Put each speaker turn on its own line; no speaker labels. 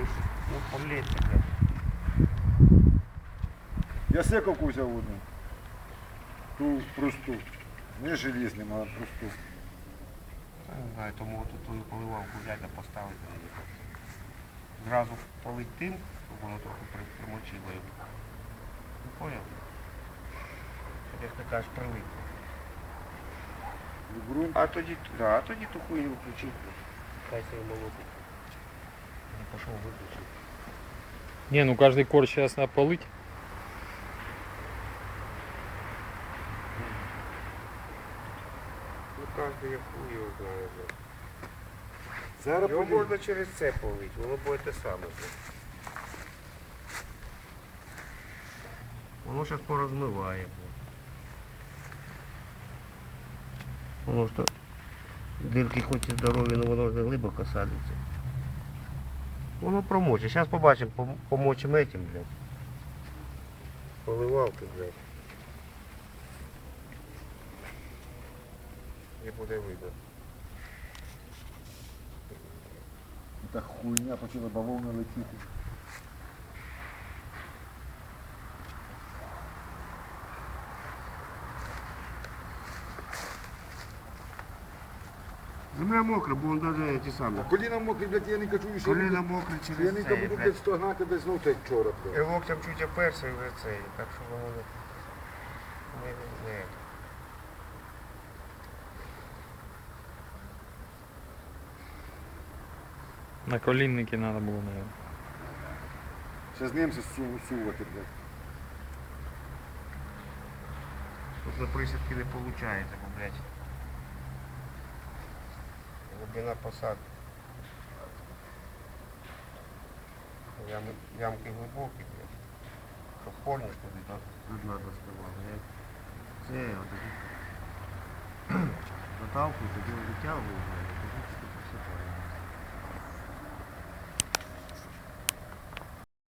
Ну, полейте, блядь.
Я сиковку взяв одну. Ту просту. Не желізну, а просту.
Я не знаю, тому тут твою поливалку взяти та поставити. Зразу полить тим, щоб воно трохи примочило його. Ну, поняв? Як ти кажеш, прилить.
В ґрунт.
А тоді ту хуйню включив. Хай себе молотить. Не пішов, виключив.
Не, ну каждый корч сейчас надо полыть.
Ну, кожен як хуй його знає. Блядь.
Зараз
Його
полью.
можна через це полить, воно буде те саме. Блядь. Воно зараз порозмиває. Блядь. Воно ж то дирки хоч і здорові, але воно ж не глибоко садиться. Воно промочить. Зараз побачимо, помочимо этим, блядь. Поливалки, блядь. І буде видно.
Та хуйня почала бавовна летіти.
Земля мокра, бо он навіть ті самі.
Коліна мокрі, блядь, я не кажу, що
Коліна мокре
я
через
не
це,
буду,
блядь.
блядь, стогнати без знов так вчора,
І
блядь.
локтем чуть оперся і вже цей. Так що воно не.
На колиннике надо было, наверное.
Ще з ним сувати, блядь.
Тут на присідки не виходить, бо, блядь. Глибина посадки. Ямки глибокі, блядь. Щоб корні ж туди до дна доставали. Це я отак. Заталкую, тоді витягую, блядь.